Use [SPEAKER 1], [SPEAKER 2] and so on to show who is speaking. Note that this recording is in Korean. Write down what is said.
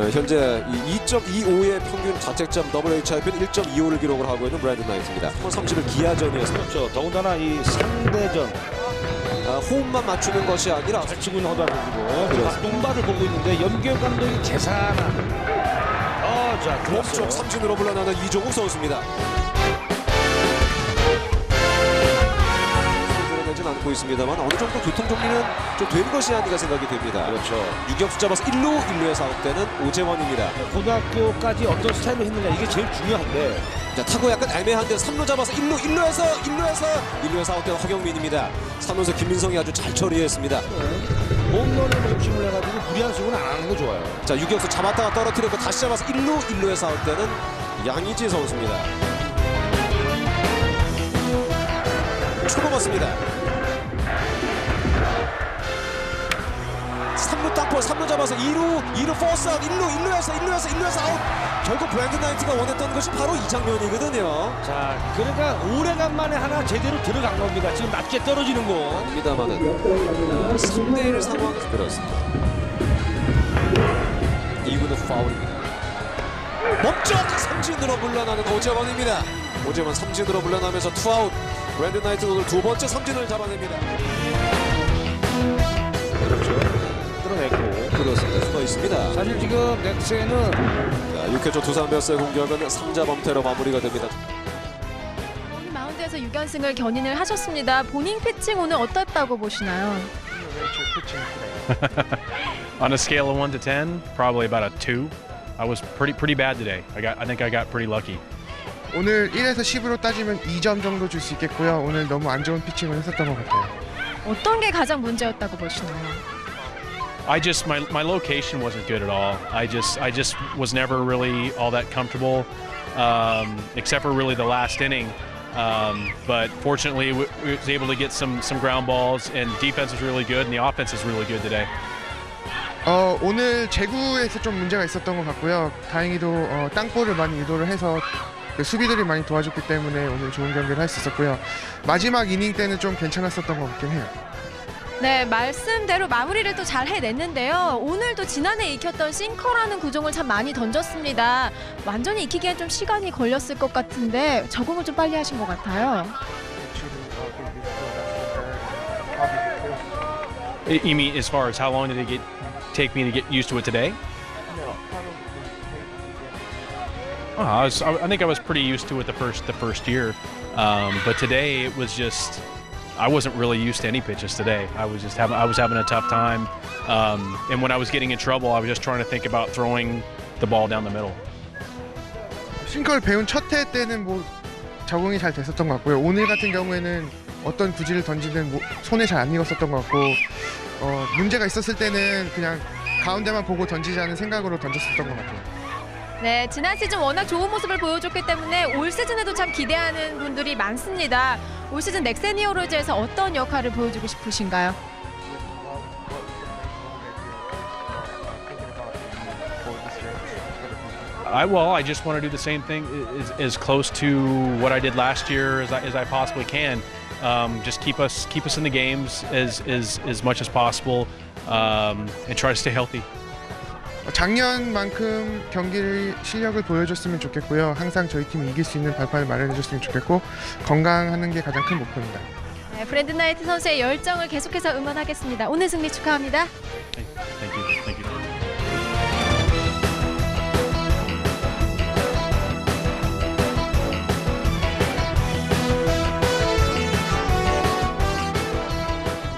[SPEAKER 1] 현재 2.25의 평균 자책점 WHIP는 1.25를 기록을 하고 있는 브랜든 나이트입니다. 30을 기아전이어서
[SPEAKER 2] 그렇죠. 더군다나 이 상대전
[SPEAKER 1] 호흡만 맞추는 것이 아니라
[SPEAKER 2] 잘 치고 있는 허다 선수고 똥바를 보고 있는데 염기혁 감독이 계산한 자
[SPEAKER 1] 몸쪽 삼진으로 물러나는 이종욱 선수입니다. 드러내진 않고 있습니다만 어느 정도 교통 정리는 좀 된 것이 아닌가 생각이 됩니다.
[SPEAKER 2] 그렇죠.
[SPEAKER 1] 유격수 잡아서 1루에서 아웃되는 오재원입니다.
[SPEAKER 2] 고등학교까지 어떤 스타일로 했느냐 이게 제일 중요한데
[SPEAKER 1] 자, 타고 약간 애매한데 3루 잡아서 1루에서 아웃된 허경민입니다. 3루에서 김민성이 아주 잘 처리했습니다.
[SPEAKER 2] 홈런을 중심을 해가지고 무리한 스윙은 안 하는 게 좋아요.
[SPEAKER 1] 자, 유격수 잡았다가 떨어뜨렸고 다시 잡아서 1루에서 아웃되는 양의지 선수입니다. 초구 맞습니다. 3루 땅볼 3루 잡아서 2루 포스 아웃 1루에서 아웃. 결국 브랜든 나이트가 원했던 것이 바로 이 장면이거든요.
[SPEAKER 2] 자, 그러니까 오래간만에 하나 제대로 들어간 겁니다. 지금 낮게 떨어지는 거.
[SPEAKER 1] 입니다만은 3대1 상황에서 그렇습니다. 2구는 파울입니다. 멈쩍 삼진으로 물러나는 오재원입니다. 오재원 삼진으로 물러나면서 투아웃. 브랜든 나이트 오늘 두 번째 삼진을 잡아냅니다.
[SPEAKER 2] 그렇죠. 끌어냈고.
[SPEAKER 1] 그렇습니다. 수가 있습니다.
[SPEAKER 2] 사실 지금 넥센은
[SPEAKER 1] 6회초 두산 베어스의 공격은 3자 범퇴로 마무리가 됩니다.
[SPEAKER 3] 마운드에서 6연승을 견인을 하셨습니다. 본인 피칭 오늘 어땠다고 보시나요?
[SPEAKER 4] On a scale of 1 to 10, probably about a 2. I was pretty bad today. I think I got pretty lucky.
[SPEAKER 5] 오늘 1에서 10으로 따지면 2점 정도 줄 수 있겠고요. 오늘 너무 안 좋은 피칭을 했었던 것 같아요.
[SPEAKER 3] 어떤 게 가장 문제였다고 보시나요?
[SPEAKER 4] My location wasn't good at all. I just was never really all that comfortable, except for really the last inning. But fortunately, we was able to get some ground balls, and defense was really good, and the offense is really good today.
[SPEAKER 5] 오늘 제구에서 좀 문제가 있었던 것 같고요. 다행히도 땅볼을 많이 유도를 해서 그 수비들이 많이 도와줬기 때문에 오늘 좋은 경기를 할 수 있었고요. 마지막 이닝 때는 좀 괜찮았었던 것 같긴 해요.
[SPEAKER 3] 네, 말씀대로 마무리를 또 잘 해냈는데요. 오늘도 지난해 익혔던 싱커라는 구종을 참 많이 던졌습니다. 완전히 익히기엔 좀 시간이 걸렸을 것 같은데 적응을 좀 빨리 하신 것 같아요.
[SPEAKER 4] You mean as far as how long did it take me to get used to it today? I think I was pretty used to it the first year, but today it was just I wasn't really used to any pitches today. I was having a tough time, and when I was getting in trouble, I was just trying to think about throwing the ball down the middle.
[SPEAKER 5] 싱커를 배운 첫 해 때는 뭐 적응이 잘 됐었던 것 같고요. 오늘 같은 경우에는 어떤 구질을 던지든 손에 잘 안 익었었던 것 같고 문제가 있었을 때는 그냥 가운데만 보고 던지자는 생각으로 던졌었던 것 같아요.
[SPEAKER 3] 네, 지난 시즌 워낙 좋은 모습을 보여줬기 때문에 올 시즌에도 참 기대하는 분들이 많습니다. 올 시즌 넥센 히어로즈에서 어떤 역할을 보여주고 싶으신가요?
[SPEAKER 4] I just want to do the same thing as close to what I did last year as I possibly can. Just keep us in the games as much as possible, and try to stay healthy.
[SPEAKER 5] 작년만큼 경기 실력을 보여줬으면 좋겠고요. 항상 저희 팀이 이길 수 있는 발판을 마련해줬으면 좋겠고 건강하는 게 가장 큰 목표입니다.
[SPEAKER 3] 네, 브랜든 나이트 선수의 열정을 계속해서 응원하겠습니다. 오늘 승리 축하합니다.
[SPEAKER 4] Thank you.